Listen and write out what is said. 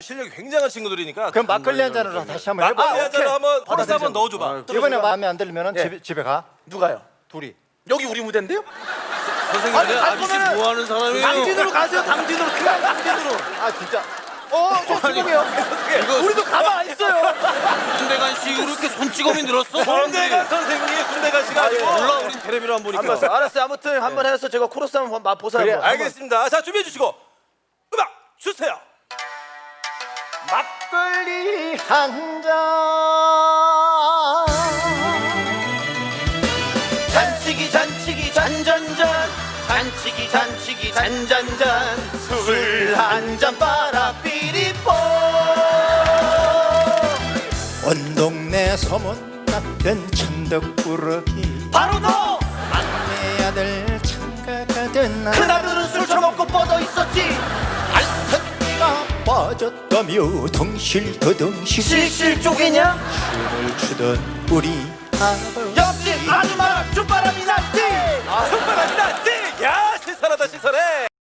실력이 굉장한 친구들이니까. 그럼 막걸리 한 잔으로 다시 한번 해봐. 막걸리 한 잔을 한번 버스 한번 넣어줘봐. 이번에 마음에 안 들면 예. 집에 가. 누가요? 둘이. 여기 우리 무대인데요? 선생님, 아니, 갈 아저씨 거면은 뭐 하는 사람이에요? 당진으로 가세요. 당진으로. 그냥 당진으로. 아 진짜. 저 죄송해요. 우리도 가만 안 있어요. 손대간 씨 이렇게 손찌검이 늘었어? 손대간 선생님, 손대간 씨가 아니고. 몰라, 우린 텔레비로 한번 안 보니까. 봤어요. 알았어요. 아무튼 한번 해서 제가 코러스 한번 맛보세요. 그래, 한번. 알겠습니다. 자, 준비해 주시고 음악 주세요. 막걸리 한 잔. 잔치기 잔치기 잔잔잔 잔치기 잔치기 잔잔잔 술 한 잔 빨아 삐리뽀 온 동네 소문 났던 천덕꾸러기. 바로 너! 막내 아들 창가가 된 날. 그날은 술 처먹고 뻗어 있었지. 알턴니가 빠졌다며 덩실더덩실 실실 쪽이냐? 춤을 추던 우리 아버지. 옆집 아줌마랑 쭈바람이 났지. 손바닥이 났지? 야, 신선하다, 신선해.